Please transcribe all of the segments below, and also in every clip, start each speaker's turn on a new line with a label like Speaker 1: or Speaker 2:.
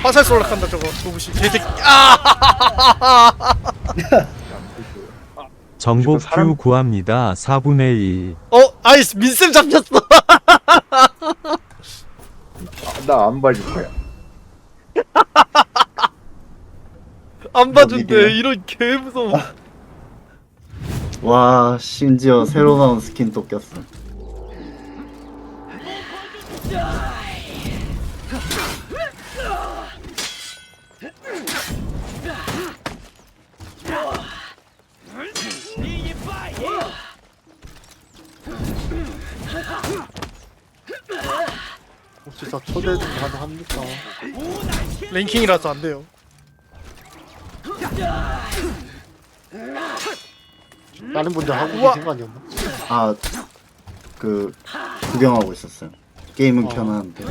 Speaker 1: 화살 쏠락한다 저거 도부시 개새끼. 아!
Speaker 2: 정복
Speaker 3: 사람-
Speaker 2: 큐 구합니다. 4분의 2.
Speaker 1: 아이스 민쌤 잡혔어.
Speaker 3: 나 안 봐줄 거야.
Speaker 1: 안 봐준대.
Speaker 4: 믿으려.
Speaker 1: 이런 개 무서워.
Speaker 4: 와 심지어 새로 나온 스킨도 꼈어.
Speaker 5: 혹시 다 초대도 가능합니까?
Speaker 1: 랭킹이라서 안 돼요.
Speaker 5: 다른 분들 하고
Speaker 1: 우와.
Speaker 5: 계신 거 아니었나?
Speaker 4: 아 그 구경하고 있었어요. 게임은
Speaker 5: 어.
Speaker 4: 켜놨는데.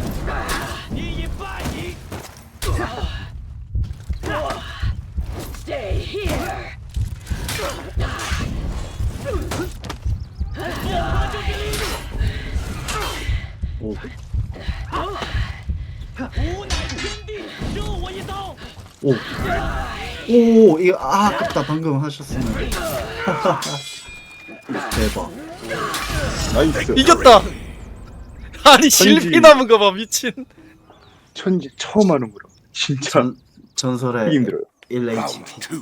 Speaker 4: 오. 오. 오, 이거 아깝다. 방금 하셨으면. 대박.
Speaker 3: 나이스.
Speaker 1: 이겼다. 아니
Speaker 3: 천지.
Speaker 1: 실비 남은 거 봐 미친.
Speaker 3: 천지 처음 하는 거라. 진짜
Speaker 4: 전설의
Speaker 3: 되게 힘들어요.
Speaker 4: 1HP.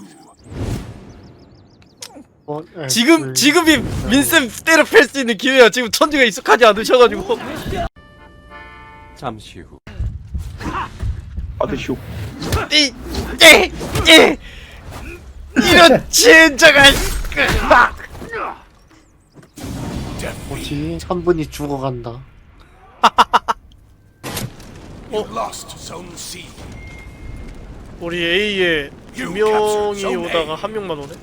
Speaker 1: 지금이 민쌤 때려 팰 수 있는 기회야. 지금 천지가 익숙하지 않으셔가지고.
Speaker 2: 잠시 후.
Speaker 3: 아드쇼.
Speaker 1: 이 이런 젠장한.
Speaker 5: 뭐지? 한 분이 죽어간다.
Speaker 1: 우리 A에 두 명이 오다가 한 명만 오네.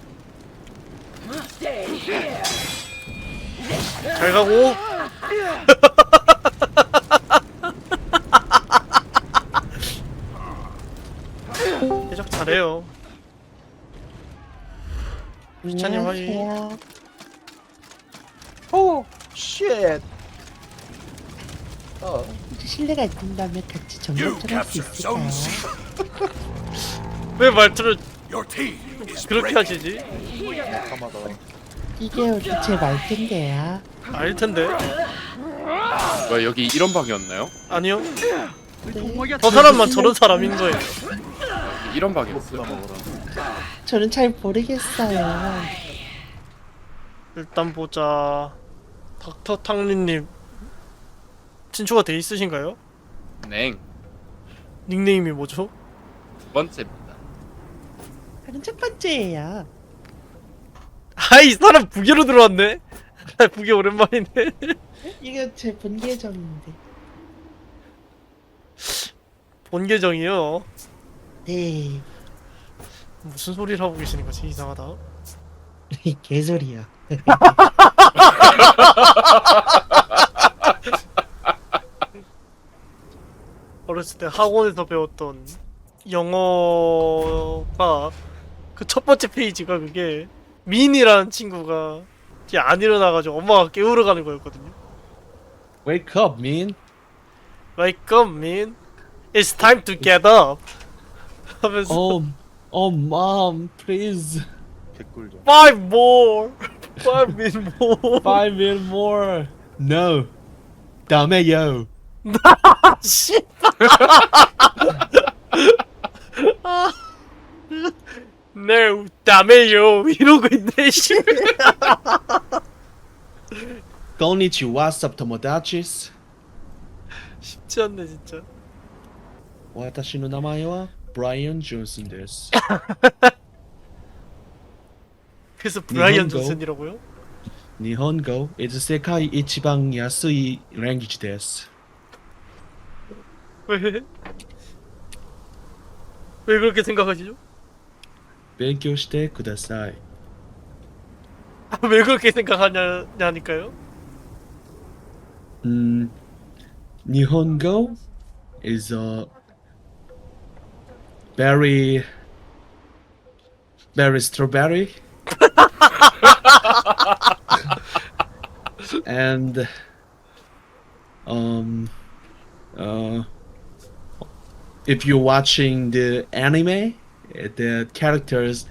Speaker 1: 잘 가고. 해적 잘해요. 시찬님 확인.
Speaker 6: 오, 쉣.
Speaker 7: 실례가 있다면 같이 정보 좀 할 수 있을까요?
Speaker 1: 왜 말투를 그렇게 하시지?
Speaker 7: 이게 우리 제 말투인데요.
Speaker 1: 아닐 텐데.
Speaker 8: 뭐야 여기 이런 방이었나요?
Speaker 1: 아니요. 저 사람만 저런 사람인 거예요.
Speaker 8: 이런 방이었어요.
Speaker 7: 저는 잘 모르겠어요.
Speaker 1: 일단 보자. 닥터 탕린님 친추가 돼 있으신가요?
Speaker 8: 냉
Speaker 1: 닉네임이 뭐죠?
Speaker 8: 두 번째입니다.
Speaker 7: 저는 첫 번째예요.
Speaker 1: 아이 사람 부계로 들어왔네. 부계 오랜만이네.
Speaker 7: 이거 제 본 계정인데.
Speaker 1: 본 계정이요.
Speaker 7: 네.
Speaker 1: 무슨 소리를 하고 계시는 거지? 이상하다.
Speaker 7: 개소리야.
Speaker 1: 어렸을 때 학원에서 배웠던 영어가 그 첫 번째 페이지가 그게 민이라는 친구가 이제 안 일어나가지고 엄마가 깨우러 가는 거였거든요.
Speaker 6: Wake up, man.
Speaker 1: Wake up, Min. It's time to get up. 하면서
Speaker 6: Mom, please.
Speaker 3: 개꿀 좀.
Speaker 1: Five more. Five min more.
Speaker 6: 5 minutes more. No. 다음에요.
Speaker 1: 씨. No, 다메요 이러고 있네. 씨.
Speaker 6: Konnichiwa, subtomodachis.
Speaker 1: 쉽지 않네 진짜.
Speaker 6: 私の名前は 브라이언 존슨です.
Speaker 1: 그래서 브라이언
Speaker 6: 일본어?
Speaker 1: 존슨이라고요?
Speaker 6: 일본어 is 世界一番安い language です.
Speaker 1: 왜? 왜 그렇게 생각하시죠?
Speaker 6: 勉強してください.
Speaker 1: 왜 그렇게 생각하냐니까요?
Speaker 6: 일본어 is very strawberry. And if you're watching the anime, the characters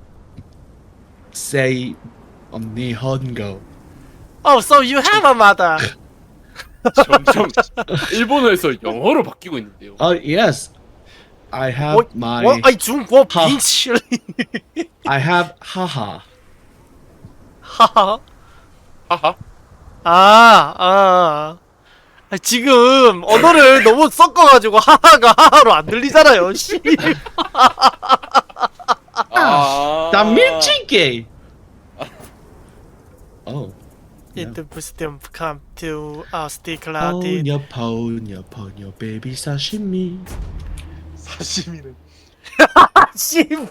Speaker 6: say Nihongo.
Speaker 1: Oh, so you have a mother.
Speaker 8: 점점 일본어에서 영어로 바뀌고 있는데요.
Speaker 6: Yes, I have
Speaker 1: What?
Speaker 6: my.
Speaker 1: What? 아니 중국어
Speaker 6: 하.
Speaker 1: 빙치.
Speaker 6: I have haha.
Speaker 1: 하하.
Speaker 8: 하하.
Speaker 1: 아. 지금 언어를 너무 섞어가지고 하하가 하하로 안 들리잖아요. 씨.
Speaker 8: 아.
Speaker 6: 나 밀치게. Oh.
Speaker 1: It wisdom come to our stick
Speaker 6: Ponyo, ponyo, ponyo, baby sashimi.
Speaker 3: 사시미는
Speaker 1: 씨발.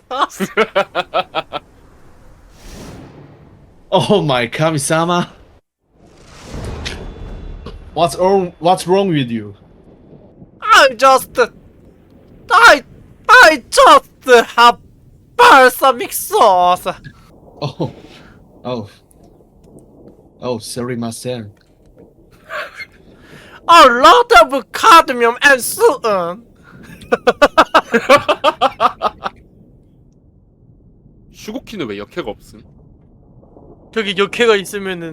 Speaker 6: Oh my kami-sama. What's wrong with you?
Speaker 1: I just have balsamic sauce.
Speaker 6: Oh. Oh. Oh, sorry, myself.
Speaker 1: A lot of cadmium and soon.
Speaker 8: 슈고키는 왜 역해가 없음?
Speaker 1: 저기 역해가 있으면은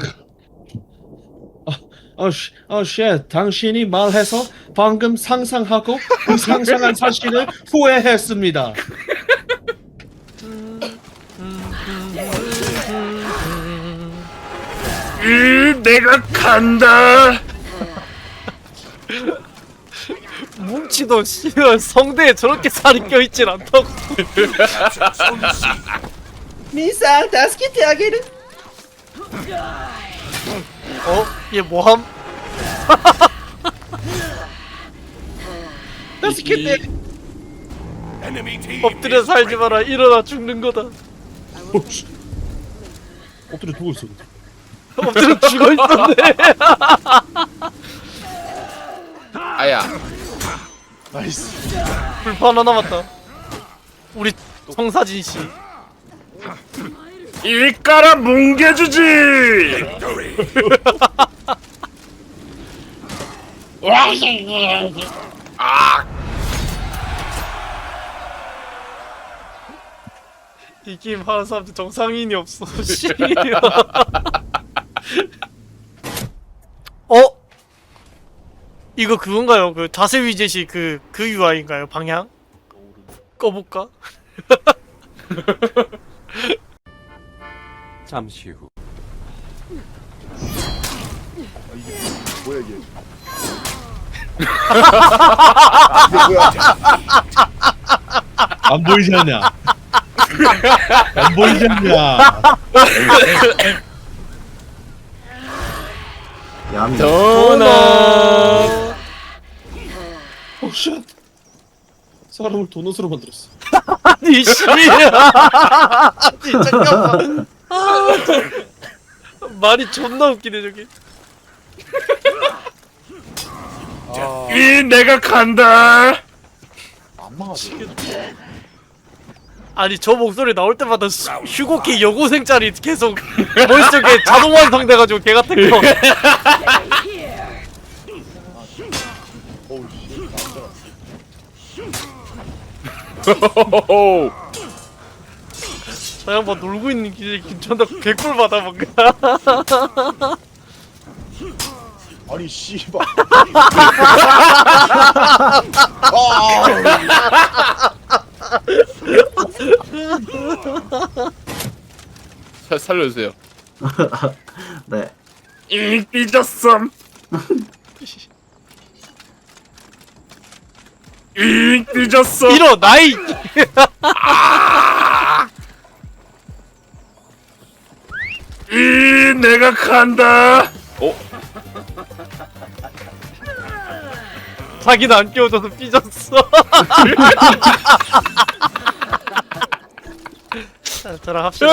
Speaker 6: Oh shit. 당신이 말해서 방금 상상하고 그 상상한 사실을 후회했습니다.
Speaker 8: 내가 간다.
Speaker 1: 뭉치도 씨발 성대에 저렇게 살이 껴있진 않다고.
Speaker 6: 미사, 다스키테 아게르.
Speaker 1: 얘 뭐함?
Speaker 6: 다스키테.
Speaker 1: 엎드려 살지 마라. 일어나 죽는 거다.
Speaker 6: 엎드려 누워 있어.
Speaker 1: 엎드려 죽어 있었네.
Speaker 8: 아야.
Speaker 3: 나이스.
Speaker 1: 불판 하나 남았다. 우리 성사진 씨.
Speaker 8: 일가라 뭉개주지.
Speaker 1: 이 게임 하는 사람들 정상인이 없어. 씨. 이거 그건가요? 그 자세 위젯이 그 UI인가요? 방향? 꺼볼까?
Speaker 2: 잠시 후.
Speaker 3: 뭐야 이게? 이게 뭐야?
Speaker 6: 안 보이지 않냐? 안 보이지 않냐?
Speaker 4: 야미.
Speaker 1: 도넛.
Speaker 6: 오 쉣. 사람을 도넛으로 만들었어.
Speaker 1: 아니 씨. 아니 잠깐만. 말이 존나 웃기네 저기.
Speaker 8: 내가 간다.
Speaker 3: 안 막아줘.
Speaker 1: 아니 저 목소리 나올 때마다 휴고키 여고생 짤이 계속 머릿속에 자동 완성돼가지고 개 같은 거.
Speaker 3: 어우 씨.
Speaker 1: 저 양반 놀고 있는 기분이 괜찮다. 개꿀 받아 뭔가.
Speaker 3: 아니 씨발.
Speaker 8: 살려주세요.
Speaker 4: 네.
Speaker 8: 삐졌음. 삐졌어.
Speaker 1: 이러 나이.
Speaker 8: 내가 간다.
Speaker 1: 자기는 안 끼워줘서 삐졌어. 자, 저랑 합시다.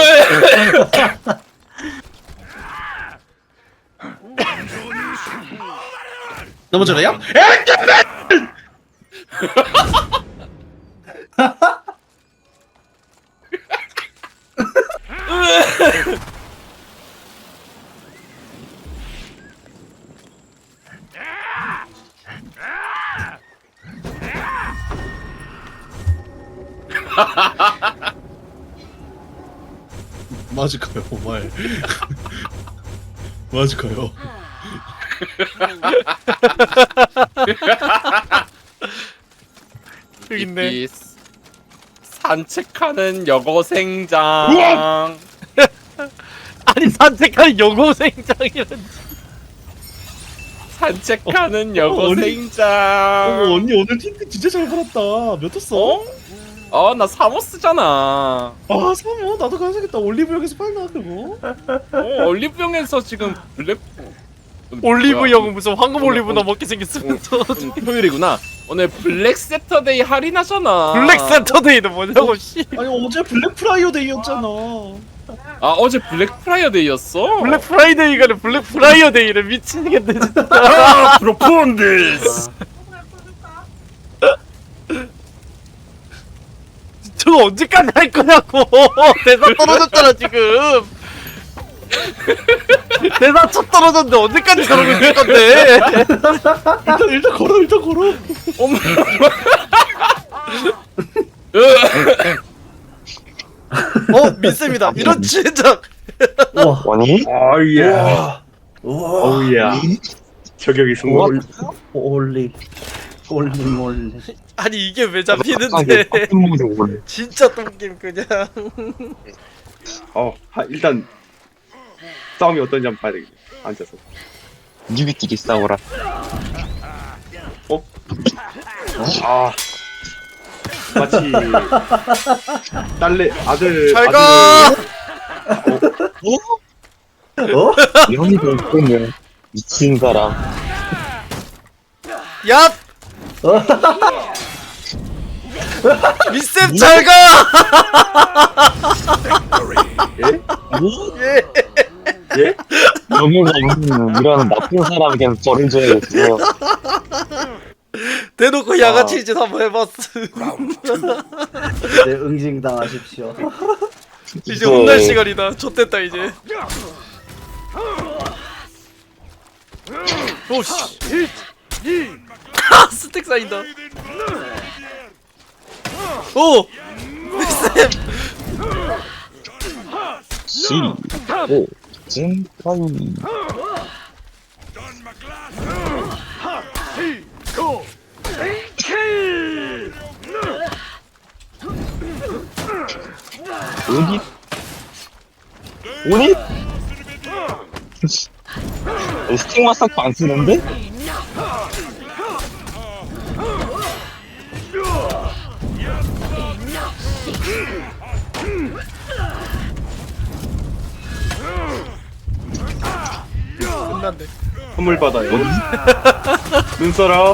Speaker 6: 넘어져라요? 맞을까요, 말? 맞을까요?
Speaker 1: 여기 있네.
Speaker 9: 이 산책하는 여고생장.
Speaker 1: 아니 산책하는 여고생장이란.
Speaker 9: 산책하는
Speaker 6: 어,
Speaker 9: 여고생장.
Speaker 6: 언니 오늘 틴트 진짜 잘 받았다. 몇 떴어?
Speaker 9: 나 사모스잖아.
Speaker 6: 아, 사모 나도 가야겠다. 올리브영에서 팔나 그거?
Speaker 9: 올리브영에서 지금 블랙
Speaker 1: 올리브영은 무슨 황금 올리브나 먹게 생겼으면서.
Speaker 9: 토요일이구나. 오늘 블랙 세터데이 할인하잖아.
Speaker 1: 블랙 세터데이는 뭐냐고 씨.
Speaker 6: 아니 어제 블랙 프라이어 데이였잖아.
Speaker 9: 아 어제 블랙 프라이어데이였어.
Speaker 1: 블랙 프라이데이가 아니라 블랙 프라이어 데이를 미치겠네 진짜.
Speaker 8: 아 프로폰디스.
Speaker 1: 저거 언제까지 할 거냐고. 대사 떨어졌잖아 지금. 대사 첫 떨어졌는데 언제까지 저러고 있을 건데.
Speaker 6: 일단 걸어.
Speaker 9: 어머.
Speaker 1: 민쌤이다. 이런 진작.
Speaker 4: 우와.
Speaker 8: 어이야.
Speaker 4: 우와.
Speaker 8: 어이야. 저격이 성공.
Speaker 4: 올리. 몰리.
Speaker 1: 아니 이게 왜 잡히는데. 진짜 똥김 그냥.
Speaker 8: 일단 싸움이 어떤지 한번 봐야 되겠네. 앉아서.
Speaker 10: 뉴비끼리 싸워라.
Speaker 8: 아 마치 딸내 아들
Speaker 1: 잘 가.
Speaker 4: 어?
Speaker 10: 영희도 있으면 미친 사람.
Speaker 1: 얍. 미쌤 잘 가. 예.
Speaker 8: 예?
Speaker 10: 영희가 있는 이런 나쁜 사람에게는 벌을 줘야겠어요.
Speaker 1: 대놓고 양아치 짓 한번 해봤어.
Speaker 4: 네, 응징당하십시오.
Speaker 1: 이제 혼날 시간이다. 좆됐다 이제. 오씨. 스택 쌓인다. 오. 미쌤.
Speaker 10: 시, 오, 찐빠이. 어디? 어디? 스틱 마스크 안 쓰는데?
Speaker 1: 끝난대.
Speaker 8: 선물 받아요. 눈사람.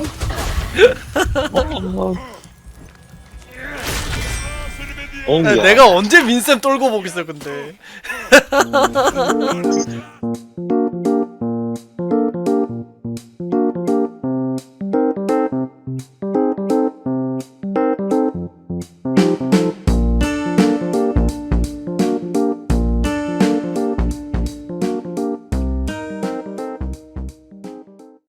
Speaker 10: 어,
Speaker 1: 내가 언제 민쌤 떨고 보겠어 근데.